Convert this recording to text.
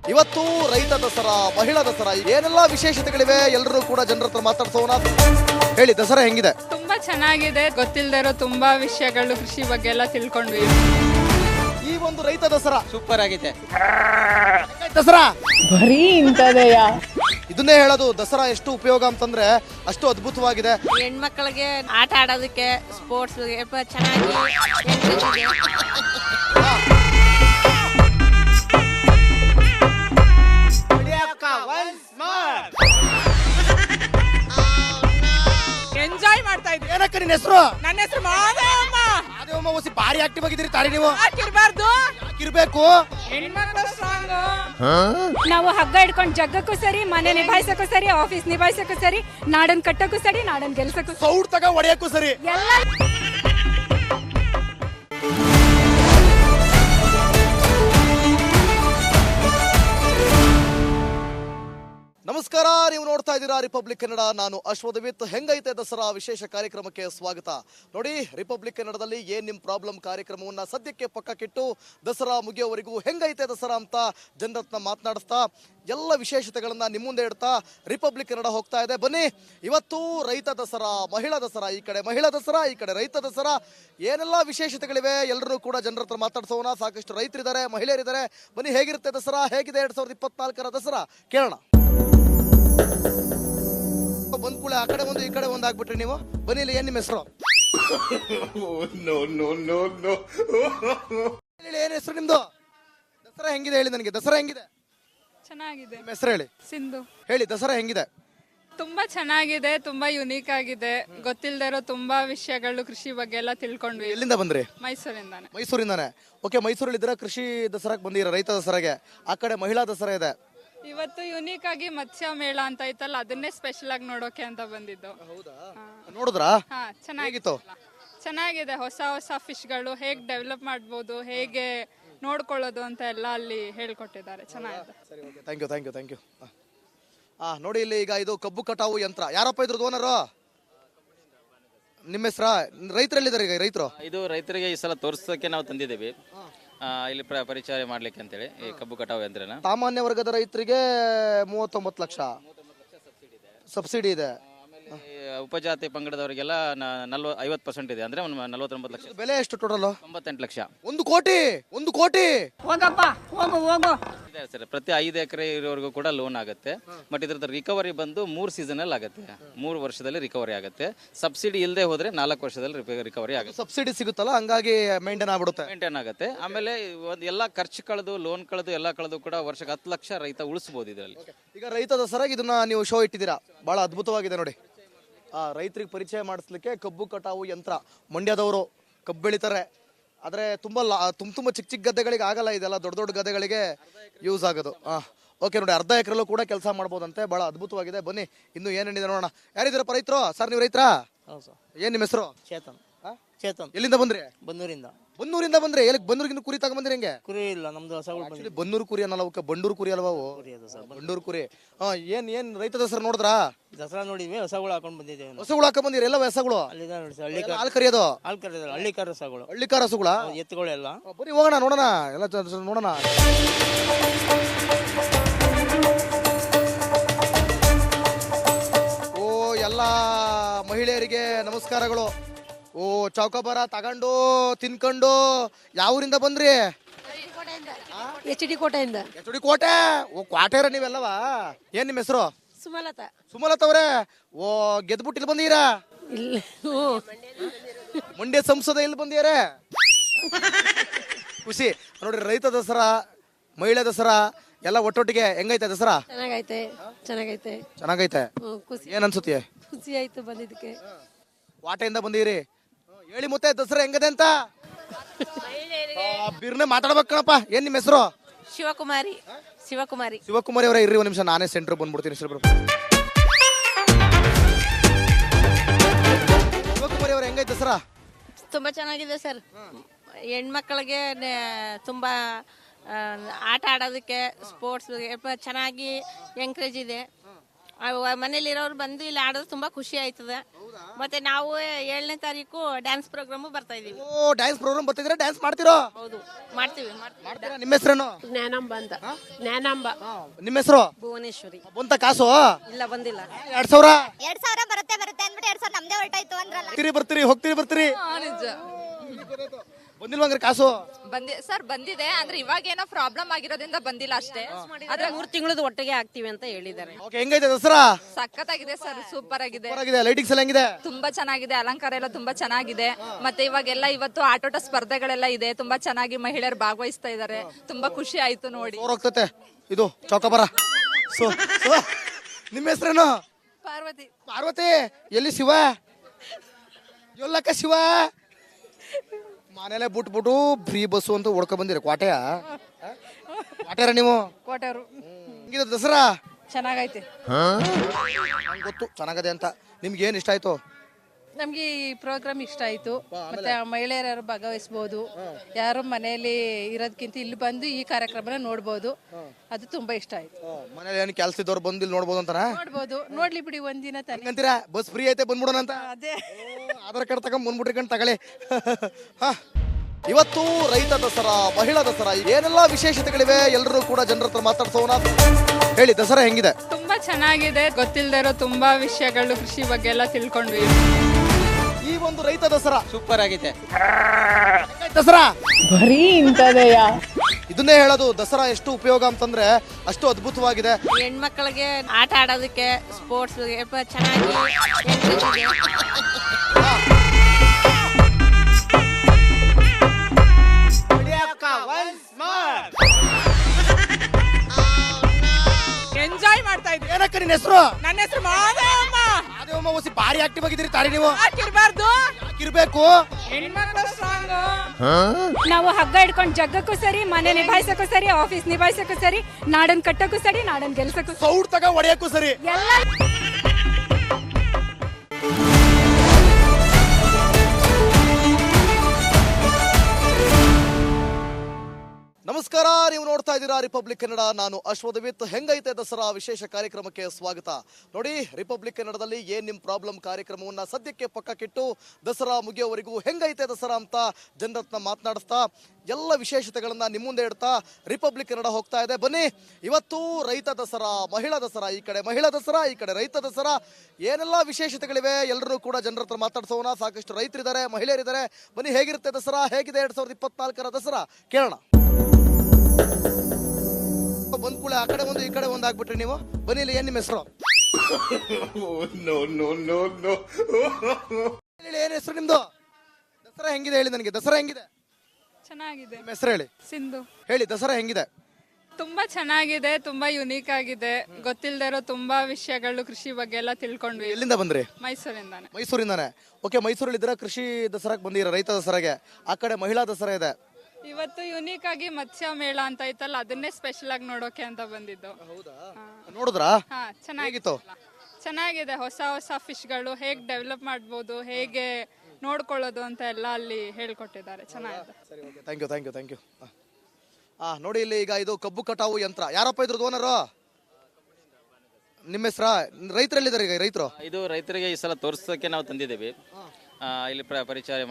ಇವತ್ತು ರೈತ ದಸರಾ, ಮಹಿಳಾ ದಸರಾ, ಏನೆಲ್ಲ ವಿಶೇಷತೆಗಳಿವೆ ಎಲ್ಲರೂ ಕೂಡ ಜನರ ಹತ್ರ ಮಾತಾಡ್ಸೋಣ. ಹೇಳಿ, ದಸರಾ ಹೆಂಗಿದೆ? ತುಂಬಾ ಚೆನ್ನಾಗಿದೆ. ಗೊತ್ತಿಲ್ಲದೆ ಇರೋ ತುಂಬಾ ವಿಷಯಗಳು ಕೃಷಿ ಬಗ್ಗೆ ಎಲ್ಲ ತಿಳ್ಕೊಂಡ್ವಿ. ಈ ಒಂದು ರೈತ ದಸರಾ ಸೂಪರ್ ಆಗಿದೆ. ದಸರಾ ಬರೀ ಇಂಥದೆಯ. ಇದನ್ನೇ ಹೇಳೋದು, ದಸರಾ ಎಷ್ಟು ಉಪಯೋಗ ಅಂತಂದ್ರೆ ಅಷ್ಟು ಅದ್ಭುತವಾಗಿದೆ. ಹೆಣ್ಮಕ್ಳಿಗೆ ಆಟ ಆಡೋದಕ್ಕೆ, ಸ್ಪೋರ್ಟ್ಸ್ ಚೆನ್ನಾಗಿ ಎಂಜಾಯ್ ಮಾಡ್ತಾ ಇದ್ವಿ. ಏನಕ್ಕ ನಿನ್ನ ಹೆಸರು? ನನ್ನ ಹೆಸರು ಮಾದೇವಮ್ಮ. ಮಾದೇವಮ್ಮ ಓಸಿ ಭಾರಿ ಆಕ್ಟಿವ್ ಆಗಿದ್ದೀರಿ ತಾರಿ ನೀವು. ಹಾಕಿರ್ಬಾರ್ದು, ಯಾಕಿರ್ಬೇಕು? ಹೆಣ್ಮಕ್ಳು ಸ್ಟ್ರಾಂಗ್. ನಾವು ಹಗ್ಗ ಹಿಡ್ಕೊಂಡು ಜಗ್ಗಕ್ಕೂ ಸರಿ, ಮನೆ ನಿಭಾಯಿಸಕ್ಕೂ ಸರಿ, ಆಫೀಸ್ ನಿಭಾಯಿಸಕ್ಕೂ ಸರಿ, ನಾಡನ್ ಕಟ್ಟಕ್ಕೂ ಸರಿ, ನಾಡನ್ ಗೆಲ್ಸಕ್ಕೂ ಸರಿ, ಸೌಡ್ ತಗ ಹೊಡೆಯಕ್ಕೂ ಸರಿ. ಎಲ್ಲ ನಮಸ್ಕಾರ, ನೀವು ನೋಡ್ತಾ ಇದ್ದೀರಾ ರಿಪಬ್ಲಿಕ್ ಕನ್ನಡ. ನಾನು ಅಶ್ವಥವಿತ್. ಹೆಂಗೈತೆ ದಸರಾ ವಿಶೇಷ ಕಾರ್ಯಕ್ರಮಕ್ಕೆ ಸ್ವಾಗತ. ನೋಡಿ, ರಿಪಬ್ಲಿಕ್ ಕನ್ನಡದಲ್ಲಿ ಏನ್ ನಿಮ್ ಪ್ರಾಬ್ಲಮ್ ಕಾರ್ಯಕ್ರಮವನ್ನ ಸದ್ಯಕ್ಕೆ ಪಕ್ಕಕ್ಕಿಟ್ಟು ದಸರಾ ಮುಗಿಯೋವರೆಗೂ ಹೆಂಗೈತೆ ದಸರಾ ಅಂತ ಜನರತ್ನ ಮಾತನಾಡಿಸ್ತಾ ಎಲ್ಲ ವಿಶೇಷತೆಗಳನ್ನ ನಿಮ್ಮ ಮುಂದೆ ಇಡ್ತಾ ರಿಪಬ್ಲಿಕ್ ಕನ್ನಡ ಹೋಗ್ತಾ ಇದೆ. ಬನ್ನಿ, ಇವತ್ತು ರೈತ ದಸರಾ, ಮಹಿಳಾ ದಸರಾ, ಈ ಕಡೆ ಮಹಿಳಾ ದಸರಾ, ಈ ಕಡೆ ರೈತ ದಸರಾ, ಏನೆಲ್ಲ ವಿಶೇಷತೆಗಳಿವೆ ಎಲ್ಲರೂ ಕೂಡ ಜನರ ಹತ್ರ ಮಾತಾಡ್ಸೋಣ. ಸಾಕಷ್ಟು ರೈತರಿದ್ದಾರೆ, ಮಹಿಳೆಯರಿದ್ದಾರೆ. ಬನ್ನಿ, ಹೇಗಿರುತ್ತೆ ದಸರಾ, ಹೇಗಿದೆ 2024ರ ದಸರಾ ಕೇಳೋಣ. ಬಂದ್ ಕೂಡ ಆ ಕಡೆ ಒಂದು ಈ ಕಡೆ ಒಂದು ಆಗ್ಬಿಟ್ರಿ ನೀವು. ಬನ್ನಿ, ಇಲ್ಲಿ ಏನ್ ನಿಮ್ಮ ಹೆಸರು? ಏನ್ ಹೆಸರು ನಿಮ್ದು? ದಸರಾ ಹೆಂಗಿದೆ ಹೇಳಿ ನನಗೆ. ದಸರಾ ಹೆಂಗಿದೆ? ಚೆನ್ನಾಗಿದೆ. ನಿಮ್ಮ ಹೆಸರು ಹೇಳಿ. ಸಿಂಧು. ಹೇಳಿ, ದಸರಾ ಹೆಂಗಿದೆ? ತುಂಬಾ ಚೆನ್ನಾಗಿದೆ, ತುಂಬಾ ಯುನೀಕ್ ಆಗಿದೆ. ಗೊತ್ತಿಲ್ಲದೆ ಇರೋ ತುಂಬಾ ವಿಷಯಗಳು ಕೃಷಿ ಬಗ್ಗೆ ಎಲ್ಲ ತಿಳ್ಕೊಂಡ್ವಿ. ಎಲ್ಲಿಂದ ಬಂದ್ರಿ? ಮೈಸೂರಿಂದಾನೆ. ಮೈಸೂರಿಂದಾನೆ. ಓಕೆ, ಮೈಸೂರಲ್ಲಿ ಇದ್ರ ಕೃಷಿ ದಸರಾಕ್ ಬಂದಿರ, ರೈತ ದಸರಾಗೆ. ಆ ಕಡೆ ಮಹಿಳಾ ದಸರಾ ಇದೆ. ಇವತ್ತು ಯುನೀಕ್ ಆಗಿ ಮತ್ಸ್ಯ ಮೇಳ ಅಂತ ಐತಲ್ಲ, ಅದನ್ನೇ ಸ್ಪೆಷಲ್ ಆಗಿ ನೋಡೋಕೆ ಅಂತ ಬಂದಿದ್ದು. ನೋಡಿದ್ರಾ? ಹಾ, ಹೇಗಿತ್ತು? ಚೆನ್ನಾಗಿದೆ. ಹೊಸ ಹೊಸ ಫಿಶ್ಗಳು ಹೇಗ್ ಡೆವಲಪ್ ಮಾಡ್ಬೋದು, ಹೇಗೆ ನೋಡ್ಕೊಳ್ಳೋದು ಅಂತ ಎಲ್ಲ ಅಲ್ಲಿ ಹೇಳ್ಕೊಟ್ಟಿದ್ದಾರೆ. ಚೆನ್ನಾಗಿದೆ. Thank you, thank you, thank you. ನೋಡಿ, ಇಲ್ಲಿ ಈಗ ಇದು ಕಬ್ಬು ಕಟಾವು ಯಂತ್ರ. ಯಾರಪ್ಪ ಇದ್ರದ್ದು ಓನರು? ನಿಮ್ಮ ಹೆಸರಾ? ರೈತರಲ್ಲಿದ್ದಾರೆ ಈಗ ರೈತರು? ಇದು ರೈತರಿಗೆ ಈ ಸಲ ತೋರಿಸೋಕೆ ನಾವು ತಂದಿದ್ದೀವಿ, ಇಲ್ಲಿ ಪರಿಚಯ ಮಾಡ್ಲಿಕ್ಕೆ ಅಂತೇಳಿ ಈ ಕಬ್ಬು ಕಟಾವು ಯಂತ್ರನ. ಸಾಮಾನ್ಯ ವರ್ಗದ ರೈತರಿಗೆ 39 ಲಕ್ಷ ಸಬ್ಸಿಡಿ ಇದೆ. ಉಪಜಾತಿ ಪಂಗಡದವರಿಗೆಲ್ಲ 50% ಇದೆ, ಅಂದ್ರೆ 49 ಲಕ್ಷ. ಬೆಲೆ ಎಷ್ಟು ಟೋಟಲ್? 98 ಲಕ್ಷ. 1 ಕೋಟಿ. 1 ಕೋಟಿ ಇದೆ ಸರ್. ಪ್ರತಿ 5 ಎಕರೆ ಇರೋವರೆಗೂ ಕೂಡ ಲೋನ್ ಆಗುತ್ತೆ. ಬಟ್ ಇದ್ರದ್ದು ರಿಕವರಿ ಬಂದು 3 ಸೀಸನ್ ಅಲ್ಲಿ ಆಗುತ್ತೆ. 3 ವರ್ಷದಲ್ಲಿ ರಿಕವರಿ ಆಗುತ್ತೆ. ಸಬ್ಸಿಡಿ ಇಲ್ಲದೆ ಹೋದ್ರೆ 4 ವರ್ಷದಲ್ಲಿ ರಿಕವರಿ ಆಗುತ್ತೆ. ಸಬ್ಸಿಡಿ ಸಿಗುತ್ತಲ್ಲ, ಹಂಗಾಗಿ ಮೇಂಟೈನ್ ಆಗ್ಬಿಡುತ್ತೆ. ಮೇಂಟೈನ್ ಆಗುತ್ತೆ. ಆಮೇಲೆ ಒಂದು ಎಲ್ಲ ಖರ್ಚು ಕಳೆದು, ಲೋನ್ ಕಳೆದು, ಎಲ್ಲ ಕಳೆದು ಕೂಡ ವರ್ಷಕ್ಕೆ 10 ಲಕ್ಷ ರೈತ ಉಳಿಸಬಹುದು ಇದರಲ್ಲಿ. ಈಗ ರೈತ ದಸರಾಗಿ ಇದನ್ನ ನೀವು ಶೋ ಇಟ್ಟಿದ್ದೀರಾ, ಬಹಳ ಅದ್ಭುತವಾಗಿದೆ ನೋಡಿ. ರೈತರಿಗೆ ಪರಿಚಯ ಮಾಡಿಸ್ಲಿಕ್ಕೆ ಕಬ್ಬು ಕಟಾವು ಯಂತ್ರ. ಮಂಡ್ಯದವರು ಕಬ್ಬು ಬೆಳಿತಾರೆ, ಆದ್ರೆ ತುಂಬಾ ತುಂಬ ಚಿಕ್ಕ ಚಿಕ್ಕ ಗದ್ದೆಗಳಿಗೆ ಆಗಲ್ಲ ಇದೆಲ್ಲ, ದೊಡ್ಡ ದೊಡ್ಡ ಗದ್ದೆಗಳಿಗೆ ಯೂಸ್ ಆಗೋದು. ಓಕೆ, ನೋಡಿ, ಅರ್ಧ ಎಕರೆಲ್ಲೂ ಕೂಡ ಕೆಲಸ ಮಾಡ್ಬೋದಂತೆ. ಬಹಳ ಅದ್ಭುತವಾಗಿದೆ. ಬನ್ನಿ, ಇನ್ನು ಏನೇನಿದೆ ನೋಡೋಣ. ಯಾರಿದ್ದೀರಪ್ಪ ರೈತರು? ಸರ್, ನೀವು ರೈತರಾ? ಏನ್ ನಿಮ್ಮ ಹೆಸರು? ಚೇತನ್. ಚೇತನ್. ಎಲ್ಲಿಂದ ಬಂದ್ರಿ? ಬನ್ನೂರಿಂದ. ಬನ್ನೂರಿಂದ ಬಂದ್ರೆ ಎಲ್ಲಿಗೆ? ಬನ್ನೂರಿಗೆ ಕುರಿ ತಗೊಂಡ್ಬಂದ್ರಿ? ಹೆಂಗೆ? ಕುರಿ ಇಲ್ಲ, ನಮ್ದು ಹಸಗಳು. ಬನ್ನೂರು ಕುರಿ ಅನ್ನಲ್ಲ, ಅವಕ್ಕೆ ಬಂಡೂರು ಕುರಿ ಅಲ್ವಾ ಅವು? ಬಂಡೂರು ಕುರಿ. ಏನ್ ರೈತ ದಸರಾ ನೋಡಿದ್ರಾ? ದಸರಾ ನೋಡಿದ್ವಿ, ಹಸಗಳು ಹಾಕೊಂಡ್ ಬಂದಿದ್ದೇವೆ. ಹಸುಗಳು ಹಾಕೊಂಡ್ ಬಂದಿರಿ? ಎಲ್ಲ ಹಸಗಳು ಹಾಲು ಕರಿಯೋದು? ಹಾಲು ಕರೆಯೋದು ಹಳ್ಳಿಕಾರ ಹಸಗಳು. ಹಳ್ಳಿಕಾರ ಹಸುಗಳ ಎತ್ತುಗಳು ಎಲ್ಲ. ಬನ್ನಿ ಹೋಗೋಣ, ನೋಡೋಣ, ಎಲ್ಲ ನೋಡೋಣ. ಓ, ಎಲ್ಲ ಮಹಿಳೆಯರಿಗೆ ನಮಸ್ಕಾರಗಳು. ಓ, ಚೌಕಾಬಾರ ತಗೊಂಡು ತಿನ್ಕೊಂಡು ಯಾವ ಊರಿಂದ ಬಂದ್ರಿ? HD ಕೋಟೆಯಿಂದ. HD ಕೋಟೆ. ಓ, ಕ್ವಾಟೇರ ನೀವೆಲ್ಲವಾ? ಏನ್ ನಿಮ್ಮ ಹೆಸರು? ಸುಮಲತಾ. ಸುಮಲತಾ ಅವರೇ, ಓ, ಗೆದ್ಬಿಟ್ಟು ಇಲ್ಲಿ ಬಂದೀರಾ? ಇಲ್ಲ, ಮಂಡ್ಯ ಸಂಸದ ಇಲ್ಲಿ ಬಂದಿಯಾರೆ. ಖುಷಿ ನೋಡ್ರಿ. ರೈತ ದಸರಾ, ಮಹಿಳಾ ದಸರಾ ಎಲ್ಲ ಒಟ್ಟೊಟ್ಟಿಗೆ ಹೆಂಗೈತೆ ದಸರಾ? ಚೆನ್ನಾಗೈತೆ, ಚೆನ್ನಾಗೈತೆ, ಚೆನ್ನಾಗೈತೆ. ಖುಷಿ, ಏನ್ ಅನ್ಸುತ್ತೆ? ಖುಷಿ ಆಯ್ತು ಬಂದಿದ್ದಕ್ಕೆ. ವಾಟೆಯಿಂದ ಬಂದಿರಿ. ಹೇಳಿ ಮತ್ತೆ ದಸರಾ ಹೆಂಗದೆ ಅಂತ. ಬಿರ್ನೆ ಮಾತಾಡ್ಬೇಕಣಪ್ಪ. ಏನ್ ನಿಮ್ಮ ಹೆಸರು? ಶಿವಕುಮಾರಿ. ಶಿವಕುಮಾರಿ. ಶಿವಕುಮಾರಿ ಅವರೇ, ಇರ್ರಿ ಒಂದ್ ನಿಮಿಷ, ನಾನೇ ಸೆಂಟರ್ ಬಂದ್ಬಿಡ್ತೀನಿ. ಶಿವಕುಮಾರಿ ಅವರೇ, ಹೆಂಗೈತೆ ದಸರಾ? ತುಂಬಾ ಚೆನ್ನಾಗಿದೆ ಸರ್. ಹೆಣ್ಮಕ್ಳಿಗೆ ತುಂಬಾ ಆಟ ಆಡೋದಕ್ಕೆ, ಸ್ಪೋರ್ಟ್ಸ್ ಚೆನ್ನಾಗಿ ಎಂಕರೇಜ್ ಇದೆ. ಮನೇಲಿರೋರು ಬಂದು ಇಲ್ಲಿ ಆಡೋದು ತುಂಬಾ ಖುಷಿ ಆಯ್ತದೆ. ಮತ್ತೆ ನಾವು 7ನೇ ತಾರೀಕು ಡ್ಯಾನ್ಸ್ ಪ್ರೋಗ್ರಾಮು ಬರ್ತಾ ಇದೀವಿ. ಓ ಡ್ಯಾನ್ಸ್ ಪ್ರೋಗ್ರಾಮ್ ಬರ್ತಿದ್ರೆ ಡ್ಯಾನ್ಸ್ ಮಾಡ್ತಿರೋ? ಹೌದು, ಮಾಡ್ತೀವಿ. ಮಾಡ್ತೀರಾ? ನಿಮ್ಮ ಹೆಸರೇನು? ಜ್ಞಾನಾಂಬ ಅಂತ. ಜ್ಞಾನಾಂಬ. ನಿಮ್ಮ ಹೆಸರು? ಭುವನೇಶ್ವರಿ. ಬಂತ ಕಾಸು? ಇಲ್ಲ, ಬಂದಿಲ್ಲ. 2000 ಬರುತ್ತೆ ಅಂದ್ಬಿಟ್ಟು 2000 ನಮ್ದೇ ಹೊರಟಾಯ್ತು ಅಂದ್ರಲ್ಲ. ಬರ್ತೀರಿ ನಿಜ ಬಂದಿಲ್ವಂಗ್ರೆ ಕಾಸು? ಸರ್ ಬಂದಿದೆ ಅಂದ್ರೆ ಇವಾಗೇನೋ ಪ್ರಾಬ್ಲಮ್ ಆಗಿರೋದ್ರಿಂದ ಬಂದಿಲ್ಲ ಅಷ್ಟೇ. ಆದ್ರೆ 3 ತಿಂಗಳದ್ದು ಒಟ್ಟಿಗೆ ಆಗ್ತೀವಿ ಅಂತ ಹೇಳಿದ್ದಾರೆ. ಓಕೆ, ಹೆಂಗೈತೆ ದಸರಾ? ಸಖತ್ತಾಗಿದೆ ಸರ್, ಸೂಪರ್ ಆಗಿದೆ. ಲೈಟಿಂಗ್ಸ್ ಎಲ್ಲ ಹೆಂಗಿದೆ? ತುಂಬಾ ಚೆನ್ನಾಗಿದೆ, ಅಲಂಕಾರ ಎಲ್ಲ ತುಂಬಾ ಚೆನ್ನಾಗಿದೆ. ಮತ್ತೆ ಇವಾಗೆಲ್ಲ ಇವತ್ತು ಆಟೋಟ ಸ್ಪರ್ಧೆಗಳೆಲ್ಲ ಇದೆ, ತುಂಬಾ ಚೆನ್ನಾಗಿ ಮಹಿಳೆಯರು ಭಾಗವಹಿಸ್ತಾ ಇದ್ದಾರೆ. ತುಂಬಾ ಖುಷಿ ಆಯ್ತು ನೋಡಿ. ಹೋಗ್ತತೆ ಇದು ಚೌಕಬರ. ಸೊ ನಿಮ್ಮ ಹೆಸರೇನು? ಪಾರ್ವತಿ. ಪಾರ್ವತಿ. ಎಲ್ಲಿ ಶಿವ? ಎಲ್ಲಕ್ಕ ಶಿವ? ಮನೇಲೆ ಬಿಟ್ಬಿಟ್ಟು ಫ್ರೀ ಬಸ್ಸು ಅಂತ ಹೊಡ್ಕೊ ಬಂದಿರ ಕ್ವಾಟೆಯ? ಕ್ವಾಟೆರ ನೀವು? ಕೋಟೆಯವರು. ಹಿಂಗಿದೆ ದಸರಾ? ಚೆನ್ನಾಗೈತೆ. ನಂಗೆ ಗೊತ್ತು ಚೆನ್ನಾಗದೆ ಅಂತ. ನಿಮ್ಗೆ ಏನ್ ಇಷ್ಟ ಆಯ್ತು? ನಮ್ಗೆ ಈ ಪ್ರೋಗ್ರಾಮ್ ಇಷ್ಟ ಆಯ್ತು. ಮತ್ತೆ ಮಹಿಳೆಯರು ಭಾಗವಹಿಸಬಹುದು. ಯಾರು ಮನೆಯಲ್ಲಿ ಇರೋದಕ್ಕಿಂತ ಇಲ್ಲಿ ಬಂದು ಈ ಕಾರ್ಯಕ್ರಮನ ನೋಡ್ಬೋದು. ಅದು ತುಂಬಾ ಇಷ್ಟ ಆಯ್ತು. ಮನೇಲಿ ಏನು ಕೆಲಸ ಇದ್ದವ್ರು ಬಂದು ಇಲ್ಲಿ ನೋಡ್ಬೋದು ಅಂತಾನ? ನೋಡ್ಬೋದು, ನೋಡ್ಲಿ ಬಿಡಿ ಒಂದಿನ ತಾನೆ. ಅಂತೀರಾ ಬಸ್ ಫ್ರೀ ಐತೆ ಬಂದ್ಬಿಡೋಣ ಅಂತ? ಅದೇ ಆಧಾರ್ ಕಾರ್ಡ್ ತಗೊಂಡ್ ಬಂದ್ಬಿಟ್ರಿ ತಗೊಳ್ಳಿ. ಇವತ್ತು ರೈತ ದಸರಾ, ಮಹಿಳಾ ದಸರಾ, ಏನೆಲ್ಲ ವಿಶೇಷತೆಗಳಿವೆ ಎಲ್ಲರೂ ಕೂಡ ಜನರ ಹತ್ರ ಮಾತಾಡ್ಸೋಣ. ಹೇಳಿ, ದಸರಾ ಹೆಂಗಿದೆ? ತುಂಬಾ ಚೆನ್ನಾಗಿದೆ. ಗೊತ್ತಿಲ್ಲದೆ ಇರೋ ತುಂಬಾ ವಿಷಯಗಳು ಕೃಷಿ ಬಗ್ಗೆ ಎಲ್ಲ ತಿಳ್ಕೊಂಡ್ವಿ. ಈ ಒಂದು ರೈತ ದಸರಾ ಸೂಪರ್ ಆಗಿದೆ. ದಸರಾ ಬರೀ ಇಂಥದೆಯ. ಇದನ್ನೇ ಹೇಳೋದು, ದಸರಾ ಎಷ್ಟು ಉಪಯೋಗ ಅಂತಂದ್ರೆ ಅಷ್ಟು ಅದ್ಭುತವಾಗಿದೆ. ಹೆಣ್ಮಕ್ಳಿಗೆ ಆಟ ಆಡೋದಕ್ಕೆ, ಸ್ಪೋರ್ಟ್ಸ್ ಚೆನ್ನಾಗಿ ಎಂಜಾಯ್ ಮಾಡ್ತಾ ಇದ್ವಿ. ಏನಕ್ಕ ನಿನ್ನ ಹೆಸರು? ನನ್ನ ಹೆಸರು ಮಾದೇವಮ್ಮ. ಮಾದೇವಮ್ಮ ಓಸಿ ಭಾರಿ ಆಕ್ಟಿವ್ ಆಗಿದ್ದೀರಿ ತಾರಿ ನೀವು. ಯಾಕಿರ್ಬಾರ್ದು? ಯಾಕಿರ್ಬೇಕು? ಹೆಣ್ಮಕ್ಳ ಸ್ಟ್ರಾಂಗ್. ನಾವು ಹಗ್ಗ ಹಿಡ್ಕೊಂಡು ಜಗ್ಗಕ್ಕೂ ಸರಿ, ಮನೆ ನಿಭಾಯಿಸಕ್ಕೂ ಸರಿ, ಆಫೀಸ್ ನಿಭಾಯಿಸಕ್ಕೂ ಸರಿ, ನಾಡನ್ ಕಟ್ಟಕ್ಕೂ ಸರಿ, ನಾಡನ್ ಗೆಲ್ಸಕ್ಕೂ ಸರಿ, ಸೌಡ್ ತಗ ಹೊಡೆಯಕ್ಕೂ ಸರಿ. ಎಲ್ಲ. ನಮಸ್ಕಾರ, ನೀವು ನೋಡ್ತಾ ಇದ್ದೀರಾ ರಿಪಬ್ಲಿಕ್ ಕನ್ನಡ. ನಾನು ಅಶ್ವದವಿತ್. ಹೆಂಗೈತೆ ದಸರಾ ವಿಶೇಷ ಕಾರ್ಯಕ್ರಮಕ್ಕೆ ಸ್ವಾಗತ. ನೋಡಿ, ರಿಪಬ್ಲಿಕ್ ಕನ್ನಡದಲ್ಲಿ ಏನ್ ನಿಮ್ ಪ್ರಾಬ್ಲಮ್ ಕಾರ್ಯಕ್ರಮವನ್ನ ಸದ್ಯಕ್ಕೆ ಪಕ್ಕಕ್ಕಿಟ್ಟು ದಸರಾ ಮುಗಿಯೋವರೆಗೂ ಹೆಂಗೈತೆ ದಸರಾ ಅಂತ ಜನರತ್ನ ಮಾತನಾಡಿಸ್ತಾ ಎಲ್ಲ ವಿಶೇಷತೆಗಳನ್ನ ನಿಮ್ಮ ಮುಂದೆ ಇಡ್ತಾ ರಿಪಬ್ಲಿಕ್ ಕನ್ನಡ ಹೋಗ್ತಾ ಇದೆ. ಬನ್ನಿ, ಇವತ್ತು ರೈತ ದಸರಾ, ಮಹಿಳಾ ದಸರಾ, ಈ ಕಡೆ ಮಹಿಳಾ ದಸರಾ, ಈ ಕಡೆ ರೈತ ದಸರಾ, ಏನೆಲ್ಲ ವಿಶೇಷತೆಗಳಿವೆ ಎಲ್ಲರೂ ಕೂಡ ಜನರ ಹತ್ರ ಮಾತಾಡ್ಸೋಣ. ಸಾಕಷ್ಟು ರೈತರಿದ್ದಾರೆ, ಮಹಿಳೆಯರಿದ್ದಾರೆ. ಬನ್ನಿ, ಹೇಗಿರುತ್ತೆ ದಸರಾ, ಹೇಗಿದೆ 2024ರ ದಸರಾ ಕೇಳೋಣ. ಬಂದ್ ಕೂಡ ಆ ಕಡೆ ಒಂದು ಈ ಕಡೆ ಒಂದು ಆಗ್ಬಿಟ್ರಿ ನೀವು. ಬನ್ನಿ, ಇಲ್ಲಿ ಏನ್ ನಿಮ್ಮ ಹೆಸರು? ಏನ್ ಹೆಸರು ನಿಮ್ದು? ದಸರಾ ಹೆಂಗಿದೆ ಹೇಳಿ ನನಗೆ. ದಸರಾ ಹೆಂಗಿದೆ? ಚೆನ್ನಾಗಿದೆ. ನಿಮ್ಮ ಹೆಸರು ಹೇಳಿ. ಸಿಂಧು. ಹೇಳಿ, ದಸರಾ ಹೆಂಗಿದೆ? ತುಂಬಾ ಚೆನ್ನಾಗಿದೆ, ತುಂಬಾ ಯುನೀಕ್ ಆಗಿದೆ. ಗೊತ್ತಿಲ್ಲದೆ ಇರೋ ತುಂಬಾ ವಿಷಯಗಳು ಕೃಷಿ ಬಗ್ಗೆ ಎಲ್ಲ ತಿಳ್ಕೊಂಡ್ವಿ. ಎಲ್ಲಿಂದ ಬಂದ್ರಿ? ಮೈಸೂರಿಂದಾನೆ. ಮೈಸೂರಿಂದಾನೆ. ಓಕೆ, ಮೈಸೂರಲ್ಲಿ ಇದ್ರ ಕೃಷಿ ದಸರಾಕ್ ಬಂದಿರ, ರೈತ ದಸರಾಗೆ. ಆ ಕಡೆ ಮಹಿಳಾ ದಸರಾ ಇದೆ. ಇವತ್ತು ಯುನೀಕ್ ಆಗಿ ಮತ್ಸ್ಯ ಮೇಳ ಅಂತ ಐತಲ್ಲ, ಅದನ್ನೇ ಸ್ಪೆಷಲ್ ಆಗಿ ನೋಡೋಕೆ ಅಂತ ಬಂದಿದ್ದು. ನೋಡಿದ್ರಾ? ಹಾ, ಹೇಗಿತ್ತು? ಚೆನ್ನಾಗಿದೆ. ಹೊಸ ಹೊಸ ಫಿಶ್ಗಳು ಹೇಗ್ ಡೆವಲಪ್ ಮಾಡ್ಬೋದು, ಹೇಗೆ ನೋಡ್ಕೊಳ್ಳೋದು ಅಂತ ಎಲ್ಲ ಅಲ್ಲಿ ಹೇಳ್ಕೊಟ್ಟಿದ್ದಾರೆ. ಚೆನ್ನಾಗಿದೆ. Thank you. ನೋಡಿ, ಇಲ್ಲಿ ಈಗ ಇದು ಕಬ್ಬು ಕಟಾವು ಯಂತ್ರ. ಯಾರಪ್ಪ ಇದ್ರದ್ದು ಓನರು? ನಿಮ್ಮ ಹೆಸರಾ? ರೈತರಲ್ಲಿದ್ದಾರೆ ಈಗ ರೈತರು? ಇದು ರೈತರಿಗೆ ಈ ಸಲ ತೋರಿಸೋಕೆ ನಾವು ತಂದಿದ್ದೇವೆ. ಇಲ್ಲಿ ಪರಿಚಯ